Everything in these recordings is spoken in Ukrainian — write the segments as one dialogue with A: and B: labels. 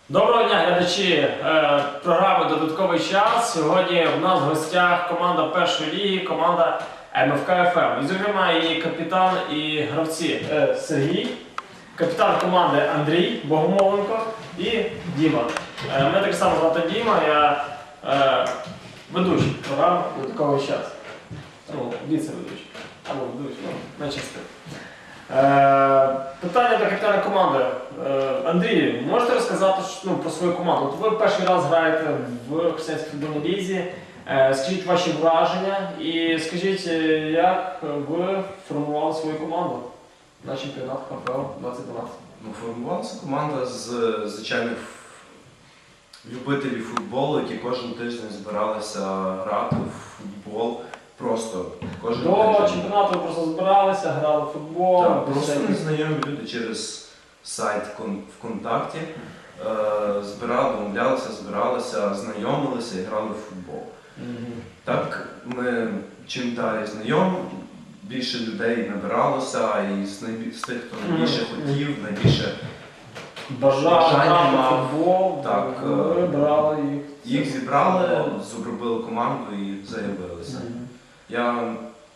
A: Доброго дня, глядачі програми «Додатковий час». Сьогодні в нас в гостях команда першої ліги, команда МФК ФМ. І, зокрема, її капітан і гравці Сергій, капітан команди Андрій Богомоленко і Діма. Мене так само звати Діма, я ведучий програми «Додатковий час». Ну, віце-ведучий. Або ведучий, найчастіше. Питання до капітана команди. Андрій, можете розказати про свою команду? От ви перший раз граєте в Християнській футбольній лізі. Скажіть ваші враження і скажіть, як ви формували свою команду на чемпіонат ХПЛ 2012?
B: Формувалася команда з звичайних любителів футболу, які кожен тиждень збиралися грати в футбол. Просто кожен
A: До чемпіонату ви просто збиралися, грали в футбол?
B: Так, просто незнайомі люди через сайт ВКонтакті домовлялися, збиралися, знайомилися і грали в футбол. Так, ми чим далі знайомі, більше людей набиралося, і з тих, хто найбільше хотів, найбільше
A: бажання мав футбол,
B: так,
A: ви брали їх.
B: Їх зібрали, зробили команду і заявилися. Я,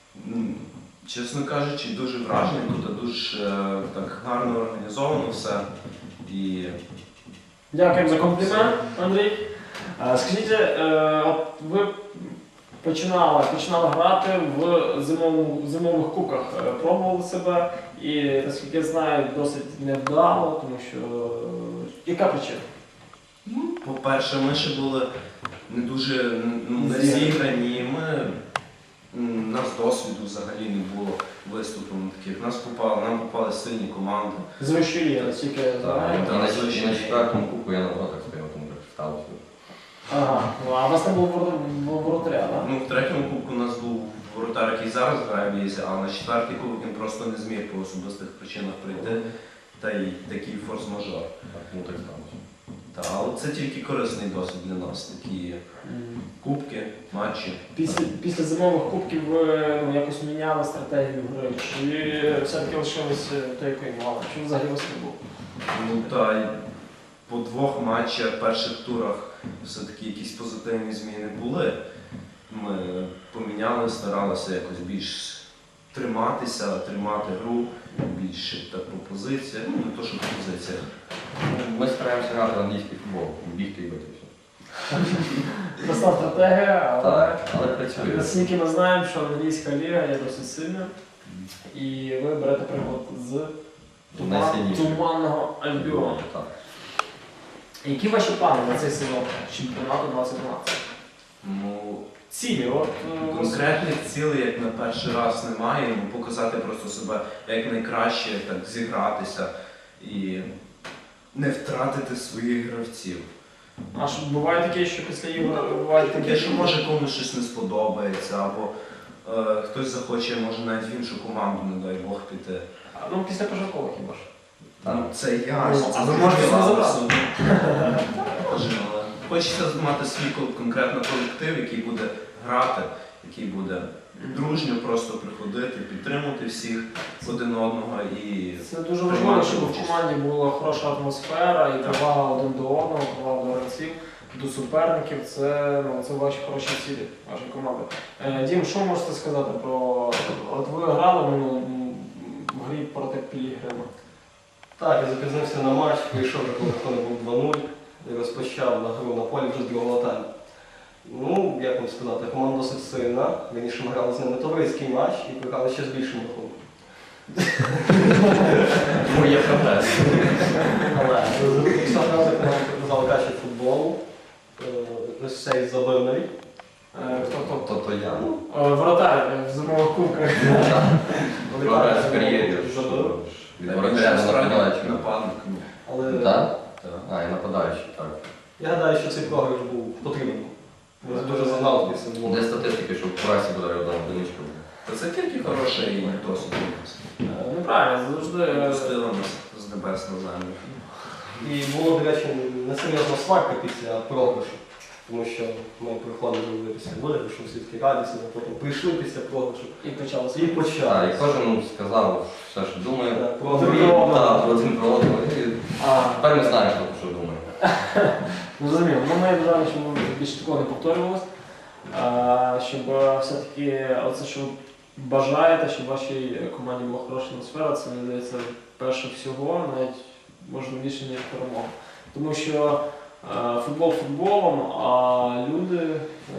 B: чесно кажучи, дуже вражений, тут дуже так гарно організовано все. І...
A: Дякуємо за комплімент, Андрій. Скажіть, от ви починали грати в зимових кубках, пробували себе і, наскільки я знаю, досить невдало, тому що... Яка причина?
B: По-перше, ми ще були не дуже зіграні, у нас досвіду взагалі не було виступу таких. Нам попали сильні команди.
A: З вищої ліги, наскільки я знаю.
C: На четвертому кубку я на воротах стояв, тому так сталося.
A: Ага, а у вас не було воротаря, так?
B: В третьому кубку у нас був воротар, який зараз грає в лізі, а на четвертий кубок він просто не зміг по особистих причинах прийти. Та й такий форс-мажор.
C: Тому так сталося.
B: Але це тільки корисний досвід для нас, такі кубки, матчі.
A: Після зимових кубків ви якось міняли стратегію гри? Чи все-таки лишилися той, якої мали? Чи взагалі вас не було?
B: По двох матчах, перших турах все-таки якісь позитивні зміни були. Ми поміняли, старалися якось більш триматися, тримати гру, більше так по позиціях, не то, що по позиціях.
C: Ми стараємося грати в англійський футбол, бігти і бити все.
A: Проста стратегія,
C: але працює.
A: наскільки ми знаємо, що англійська ліга є досить сильна, і ви берете приклад з Туманного Альбіону. Які ваші плани на цей сезон чемпіонату 2012? Цілі?
B: Конкретних цілей, як на перший раз, немає. Показати просто себе як найкраще, так зігратися і не втратити своїх гравців.
A: А що буває таке, що після ігор буває
B: таке, що може комусь щось не сподобається, або хтось захоче, може навіть в іншу команду, не дай Бог, піти.
A: Після пожаркових хіба ж?
B: Це ясно.
A: А ви можете не забрати?
B: Але хочеться мати свій конкретно колектив, який буде грати, який буде дружньо просто приходити, підтримувати всіх один одного і
A: це дуже важливо, щоб в команді була хороша атмосфера і повага один до одного, повага до гравців, до суперників. Це ваші хороші цілі, вашої команди. Дім, що можете сказати про... От ви грали в грі проти Пілігрима?
D: Так, я запізнився на матч, прийшов вже коли рахунок був 2-0 і розпочав на гру на полі вже з другого тайму. Як вам сказати, команда досить сильна. Раніше ми грали з ними товариський матч і програли ще з більшим рахунком.
C: Тому є прогрес.
D: Але якщо грати, команда показала качество футболу. Ось цей Забирновий.
C: То я.
A: Вратар в зимових кубках.
C: Прогрес в кар'єрі. Від воротаря до нападаючого.
B: Нападник.
C: Так? І нападаючий, так.
D: Я гадаю, що цей програш був потрібен. Він дуже загнав після двох.
C: Де статистики, що в прасі буде одна одиничка.
B: Це тільки хороший досвід.
A: Неправильно, завжди...
B: Пустили нас з небес на землю.
D: І було, до речі, несерйозна сварка після програшу. Тому що ми приходили після виграшу, всі такі радісні, а потім прийшли після програшу.
A: І почалося.
D: І почали.
C: І кожен сказав все, що думає.
D: Про
C: один про одного. Тепер ми знаємо, що думає.
A: Зрозуміло. Ну, ми бажаємо, щоб більше такого не повторювалося. Щоб все-таки оце, що ви бажаєте, щоб в вашій команді була хороша атмосфера, це, мені здається, перше всього, навіть можна більше, ніж перемога. Тому що футбол футболом, а люди,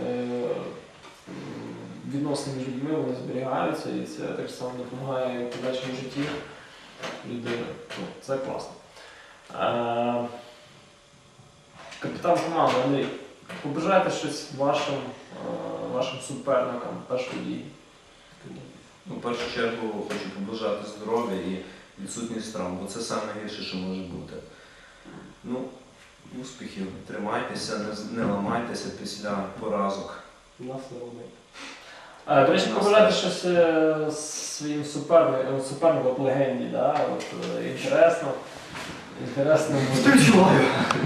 A: відносини між людьми, вони зберігаються, і це так само допомагає в подальшому житті людини. Ну, це класно. Капітан команди Андрій, побажайте щось вашим суперникам першої ліги?
B: Ну, в першу чергу хочу побажати здоров'я і відсутність травм, бо це найгірше, що може бути. Ну, успіхів, тримайтеся, не ламайтеся після поразок.
D: Нас не робить.
A: До речі, побажайте щось своїм супернику по легенді, да? От, інтересно буде.
D: Відчуваю.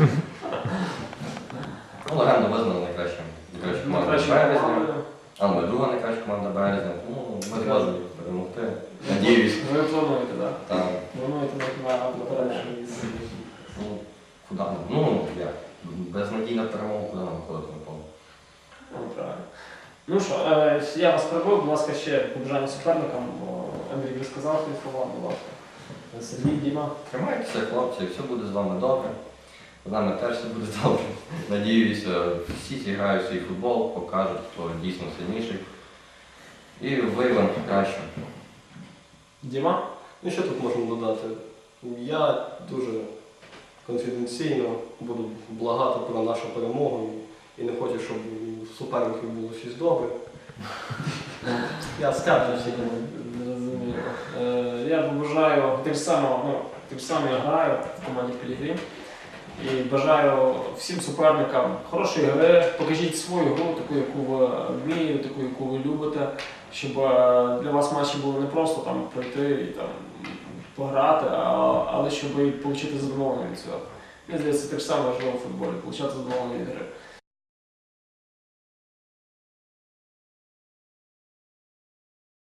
C: Ну, легенда визнана найкращим. Команда Березня. А ми друга найкраща команда Березня. Ну, ми зможемо перемогти. Надіюсь.
A: Ви плануєте, так?
C: Там,
A: Плануєте на перемогу?
C: ну, куди нам? Ну, як? Безнадійна перемога, куди нам ходити на поле?
A: Ну, правильно. Ну що, я вас перебив, будь ласка, ще побажання суперникам. Андрій, ви сказав свої слова, будь ласка. Сергій, Діма.
C: Тримайтеся, хлопці, все буде з вами добре. З нами теж все буде добре. Надіюся, всі зіграють свій футбол, покажуть, хто дійсно сильніший. І виявимо краще.
A: Діма?
D: Ну що тут можна додати? Я дуже конфіденційно буду благати про нашу перемогу і не хочу, щоб у суперників було щось добре. Я скаржуся.
A: Зрозуміло. Я побажаю тим самим я граю в команді Пілігрім. І бажаю всім суперникам хорошої гри, покажіть свою гру, таку, яку ви вмієте, таку, яку ви любите, щоб для вас матчі були не просто там пройти і там пограти, але щоб і отримати задоволення від цього. Мені здається, так само важливо в футболі, отримати задоволення від гри.